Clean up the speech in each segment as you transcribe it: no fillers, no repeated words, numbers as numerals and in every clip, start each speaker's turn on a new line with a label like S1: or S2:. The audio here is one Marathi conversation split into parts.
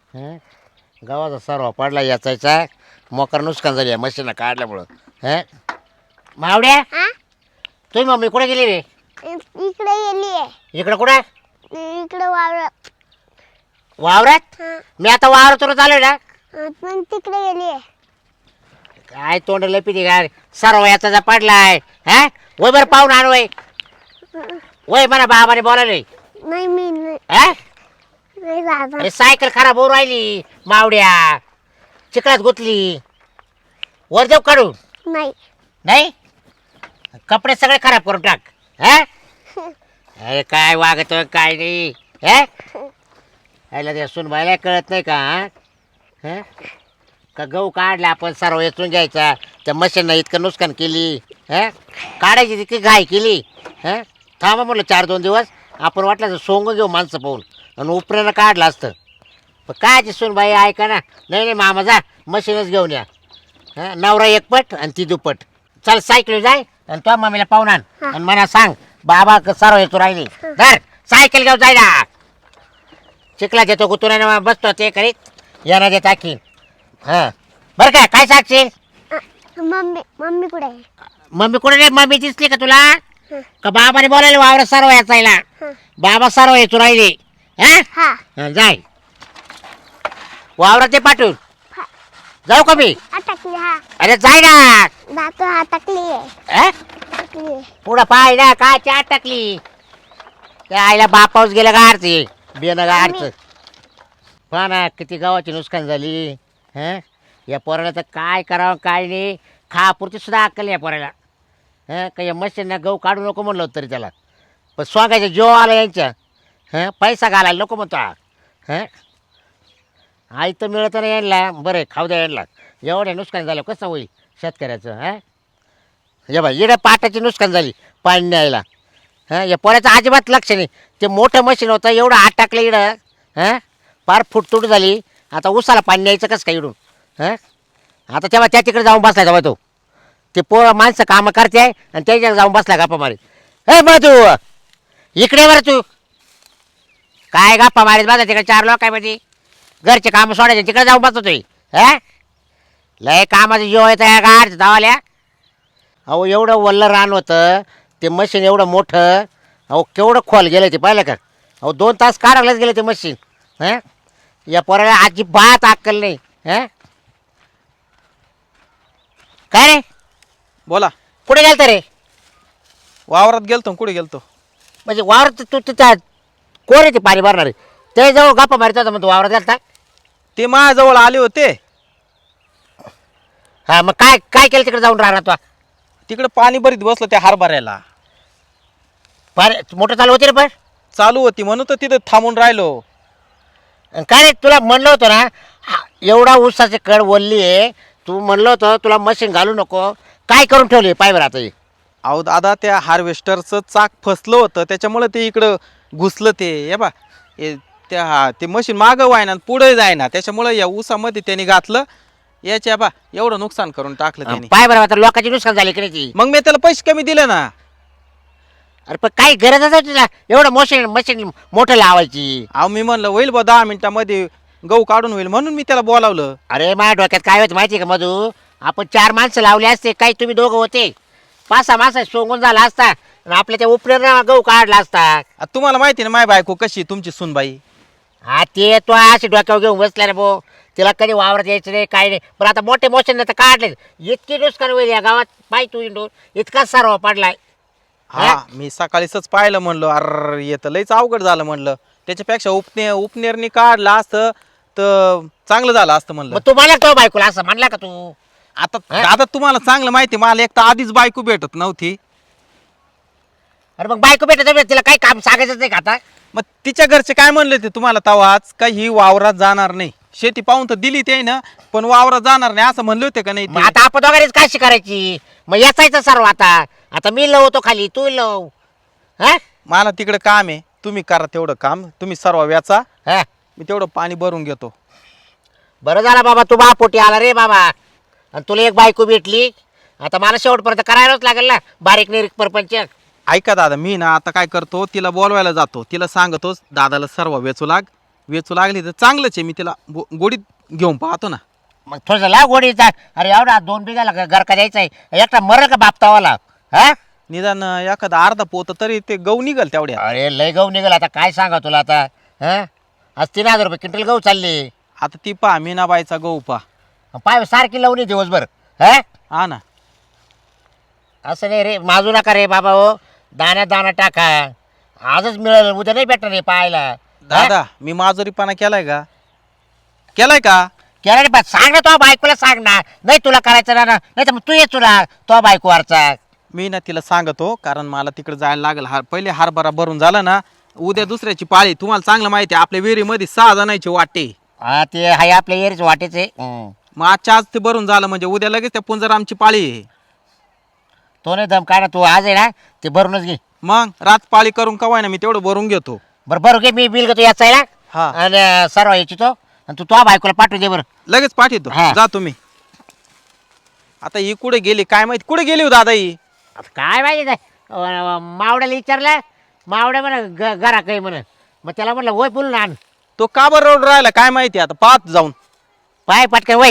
S1: हं? गावाचा सर्व पडला याचायचा मोकर नुकसान झाली मशीन काढल्यामुळं. हं? मावड्या
S2: हा
S1: तुम्ही मम्मी कुठे गेली रे?
S2: इकडे गेली आहे.
S1: इकडं कुठं?
S2: इकडे वावरात.
S1: वावरात?
S2: हा
S1: मी आता वावरातूनच आलोय ना.
S2: पण तिकडे गेली आहे.
S1: काय तोंड लपिती काय सर्व याचा पडलाय. हा वय बरं पाहून आण वय. वय म्हणा बाबाने बोलायले.
S2: नाही मी नाही
S1: हा
S2: नाही बाबा.
S1: अरे सायकल खराब होऊ राहिली मावड्या. चिखलात गुतली. वर जाऊ काढू?
S2: नाही
S1: नाही कपडे सगळे खराब करून टाक. हा अरे काय वागत काय नाही. हा यायला ते सुनबाईला कळत नाही का? हा का गहू काढला आपण सर्व येचून घ्यायचा त्या मशीननं इतकं नुकसान केली. हा काढायची तितकी घाई केली. हा थांबा म्हटलं 4-2 दिवस आपण वाटलं तर सोंग घेऊ माणसं पाहून आणि उपऱ्यानं काढलं असतं. पण काय ती सुनबाई ऐका ना. नाही नाही मामा जा मशीनच घेऊन या. हा नवरा एकपट आणि ती दुप्पट. चल सायकल जाय आणि तो मम्मीला पाहून आण आणि मला सांग बाबा सर्व येतो राहिली. धर सायकल घेऊन जाय ना. चिखला देतो गुतुराने बसतो ते करीत यांना देत टाकीन. हां बरं काय काय सांगशील?
S2: मम्मी मम्मी कुठे आहे?
S1: मम्मी कुठे रे? मम्मी दिसली का तुला? का बाबाने बोलायला वावर सर्व याचायला? बाबा सर्व येतो राहिले. हा
S2: हा
S1: जाय वावरात ते पाठवून जाऊ का मी?
S2: अटकली. हा
S1: अरे जाय ना.
S2: दातो अटकली आहे.
S1: हा
S2: अटकली आहे.
S1: पुढं पाय ना काय च्या टाकली त्या आईला बापाऊस गेलं गाडचे बेन गाडचं. पहा ना किती गावाची नुकसान झाली. हं या पोराला तर काय करावं काय नाही. खापुरती सुद्धा अक्कल या पोराला. हं का या मशीनना गहू काढू नको म्हणलं होतं तरी त्याला. पण स्वांगायचा जीव आला यांच्या. हं पैसा घालायला नको म्हणतो. हं आई तर मिळत नाही यांना. बरं खाऊ द्या यांना. एवढं नुकसान झालं कसं होईल शेतकऱ्याचं? हं ये बाई इकडे पाटाची नुकसान झाली पाणी न्यायला. हां या पोऱ्याचं अजिबात लक्ष नाही. ते मोठं मशीन होतं एवढं आत टाकलं इकडं. हां फार फुटतूट झाली. आता उसाला पाणी न्यायचं कसं काय इकडून? हां आता तेव्हा त्या तिकडे जाऊन बसला तेव्हा तो ते माणसं कामं करते आहे आणि त्याच्याकडे जाऊन बसला गप्पा मारीत. हे मग तू इकडे बरं तू काय गप्पा मारीत बसा तिकडे 4 लोकांमध्ये. घरचे कामं सोडायचे तिकडे जाऊन बसतोय. हां लय कामाचं जीव येतं या गाड धावाल्या. अहो एवढं वल्लं रान होतं ते मशीन एवढं मोठं. अहो केवढं खोल गेलं ते पाहिलं का? अहो 2 तास काढायलाच गेलं ते मशीन. हां या पोराला अजिबात अक्कल नाही. हां काय रे
S3: बोला.
S1: कुठे गेलता रे?
S3: वावरात गेलतो. कुठे गेलतो?
S1: म्हणजे वावर तू त्या कोण आहे ते पाणी भरणार ते जवळ गप्पा मारत होता मग तू वावरात गेलता?
S3: ते माझ्याजवळ आले होते.
S1: हां मग काय काय केलं तिकडे जाऊन राहणार तू?
S3: तिकडे पाणी भरीत बसलो त्या हरभऱ्याला.
S1: पाणी मोटर चालू होते रे पण?
S3: चालू होती म्हणून तर तिथं थांबून राहिलो.
S1: आणि काय रे तुला म्हणलं होतं ना एवढा ऊसाचे कड वल्ली आहे. तू म्हणलं होतं तुला मशीन घालू नको. काय करून ठेवली पाय बरं आता हे?
S3: अहो दादा त्या हार्वेस्टरचं चाक फसलं होतं त्याच्यामुळे ते इकडं घुसलं. ते हे बा ते मशीन मागं व्हायना पुढे जायना त्याच्यामुळे या ऊसामध्ये त्यांनी घातलं. याच्या बा एवढं नुकसान करून टाकलं त्यांनी.
S1: पाय बरं आता लोकांची नुकसान झाली की नाही?
S3: मग मी त्याला पैसे कमी दिले ना.
S1: अरे पण काही गरजच आहे तुला एवढं मशीन मोठं लावायची?
S3: अहो मी म्हणलं होईल बा 10 मिनिटामध्ये गहू काढून होईल म्हणून मी त्याला बोलावलं.
S1: अरे माझ्या डोक्यात काय होतं माहिती आहे का मधू? आपण 4 माणसं लावले असते काही तुम्ही दोघं होते 5-6 माणसं सोंगून झाला असता आणि आपल्या त्या उपऱ्यानं गहू काढला असता.
S3: तुम्हाला माहिती ना माय बायको कशी तुमची सुनबाई.
S1: हा ते तो अशी डोक्यावर घेऊन बसला रे भाऊ. तिला कधी वावरात यायचं नाही काय नाही. पण आता मोठे मशीन तर काढले इतकी नुकसान होईल या गावात पाय तू इंडोर इतका सर्व पडलाय.
S3: हा मी सकाळीच पाहिलं म्हणलं अरे येतं लयच अवघड झालं म्हणलं. त्याच्यापेक्षा उपनेरनी काढला असतं तर चांगलं झालं असतं म्हणलं.
S1: मग तू मला तो बायकोला असं म्हणला का तू?
S3: आता तुम्हाला चांगलं माहिती मला एक तर आधीच बायको भेटत नव्हती.
S1: अरे मग बायको भेटत तिला काही काम सांगायचंच नाही का आता?
S3: मग तिच्या घरचे काय म्हणले ते तुम्हाला तवाच का ही वावरात जाणार नाही. शेती पाहून तर दिली ते ना पण वावरात जाणार नाही असं म्हणले होते का नाही
S1: मग
S3: ते?
S1: आता आपण दोघांनीच काशी करायची? मग याचायचं सर्व आता. आता मी लवतो खाली तू लव. हा
S3: मला तिकडे काम आहे. तुम्ही करा तेवढं काम. तुम्ही सर्व व्याचा.
S1: हा
S3: मी तेवढं पाणी भरून घेतो.
S1: बरं झाला बाबा तू बापोटी आला रे बाबा. आणि तुला एक बायको भेटली. आता मला शेवटपर्यंत करायलाच लागेल ना बारीक निरीक परपंच.
S3: ऐका दादा मी ना आता काय करतो तिला बोलवायला जातो. तिला सांगतो दादाला सर्व वेचू लाग वेचू लागली तर चांगलंच आहे. मी तिला गोडीत घेऊन पाहतो ना.
S1: मग थोडंसं लाव गोडीचा. अरे एवढा 2 बिघाला घर का द्यायचा आहे एकटा मरल का बापतावाला हा.
S3: निदान एखादा अर्धा पोत तरी ते गहू निघल तेवढ्या.
S1: अरे लय गहू निघाल आता काय सांगा तुला आता हा. आज 3000 रुपये क्विंटल गहू चालले.
S3: आता ती पहा मीनाबाईचा गहू पहा.
S1: पाय सारखी लावणी दिवसभर हा.
S3: हा ना.
S1: असं नाही रे माजू नका रे बाबा हो. दाण्यात दाणा टाका. आजच मिळेल उद्या नाही भेटणार रे पाहायला.
S3: दादा मी माजुरीपणा केलाय का? केलाय का?
S1: केला रे सांग ना तो बायकोला सांग ना. नाही तुला करायचं ना नाही तर मग तू ये तुला तो बायकोवरचा.
S3: मी ना तिला सांगतो कारण मला तिकडे जायला लागेल. पहिले हरभरा भरून झाला ना उद्या दुसऱ्याची पाळी. तुम्हाला चांगलं माहिती आहे आपल्या विहिरीमध्ये 6 जणांची वाटे.
S1: हा ते हाय आपल्या एरीच वाटेचे.
S3: मग आजच्या आज ते भरून झालं म्हणजे उद्या लगेच त्या पुंजरामची पाळी आहे.
S1: तो नाही दम काय ना तू आज आहे ना ते भरूनच घे.
S3: मग रात पाळी करून कवाय ना मी तेवढं भरून घेतो.
S1: बरं बरं घे मी बिल घेतो याचा आहे
S3: हा.
S1: ना आणि सर्व याची तो आणि तू तो बायकोला पाठवून दे बरं.
S3: लगेच पाठवतो.
S1: हा.
S3: जा तुम्ही. आता ही कुठे गेली काय माहिती. कुठे गेली हो दादा ही?
S1: आता काय माहिती मावड्याला विचारलं. मावड्या म्हणा घरा काही म्हणा. मग त्याला म्हटलं वय बोलून आण.
S3: तो का बरं रोड राहिला काय माहिती. आता पाहत जाऊन
S1: पाय पटकन वय.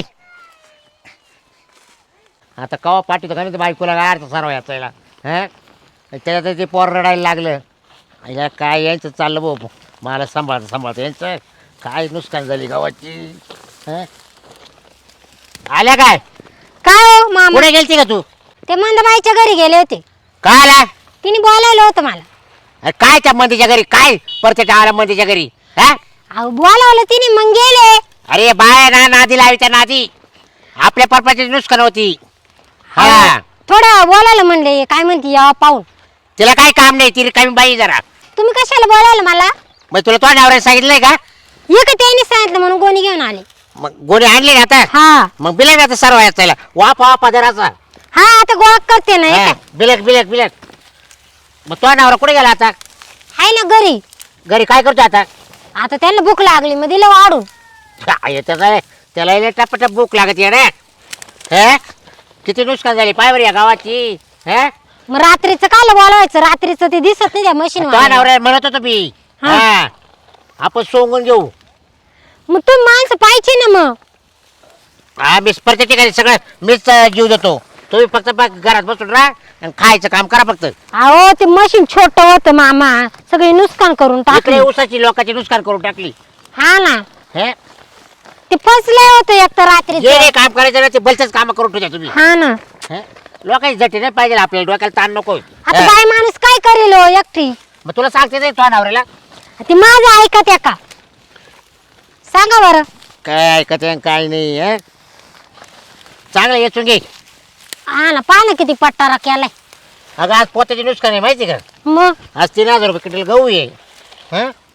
S1: आता कवा पाठवतो का नाही बायकोला गाडचं सर्व याचायला हां. त्याच्यात ते पोर रडायला लागलं. या काय यांचं चाललं भाऊ मला सांभाळतं यांचं काय नुकसान झाली गावाची हां. आल्या काय
S2: काय हो मामा
S1: कुठे गेलती का तू?
S2: ते मंदबाईच्या घरी गेले होते.
S1: काय आला?
S2: तिने बोलावलं होतं मला.
S1: अरे काय त्या मंदीच्या घरी काय परत आला मंदीच्या घरी हा.
S2: अहो बोलावलं तिने मग गेले.
S1: अरे बाय ना नादी लावायच्या नादी आपल्या परपाची नुकसान होती हा.
S2: थोडं बोलायला म्हणले काय म्हणते या पाहून.
S1: तिला काय काम नाही ती कमी बाई जरा.
S2: तुम्ही कशाला बोलावलं मला?
S1: मग तुला तो नवऱ्याने सांगितलंय का?
S2: ये का त्यांनी सांगितलं म्हणून गोणी घेऊन आले.
S1: मग गोणी आणली ना आता.
S2: हा
S1: मग बिलक आता सर्व याचायला वाप पदराचा
S2: हा आता गोळा करते ना. हे काय?
S1: बिलक मग तो नवरा कुठे गेला आता?
S2: आहे ना घरी.
S1: घरी काय करतो आता?
S2: आता त्यांना भूक लागली मग दिलं वाढून.
S1: त्याला टपटप भूक लागत येणे हे. किती नुकसान झाली पाय बरं या गावाची हे.
S2: मग रात्रीचं काल बोलावायचं. रात्रीचं ते दिसत नाही त्या मशीन.
S1: तो नवरा म्हणत होतो मी हा आपण सोंगून घेऊ.
S2: मग तुम्ही माणसं पाहिजे ना मग.
S1: हा मीच प्रत्येक ठिकाणी सगळं मीच जीव देतो. तुम्ही फक्त घरात बसून राहा आणि खायचं काम करा फक्त.
S2: अहो ते मशीन छोट होतं मामा. सगळे नुकसान करून
S1: इकडे
S2: टाकले.
S1: ऊसाची लोकांची नुकसान करून टाकली
S2: हा ना
S1: हे.
S2: ते फसले होते एक तर रात्री.
S1: जे काम करायचं ना ते भलतेच काम करून ठेवता तुम्ही
S2: हा ना.
S1: हे? लोकांची झटी नाही पाहिजे आपल्याला डोक्याला ताण नको.
S2: आता बाय माणूस काय करेल हो एकटी.
S1: मग तुला सांगते नाही तो नवऱ्याला
S2: ते माझं ऐकत आहे का सांगा बरं.
S1: काय ऐकत आहे काय नाही हे. चांगलं येचून घे.
S2: हा ना पहा ना किती पट्टारा केलाय.
S1: अगं आज पोत्याची नुकसान आहे माहिती का?
S2: मग
S1: आज 3000 रुपये क्विंटल गहू आहे.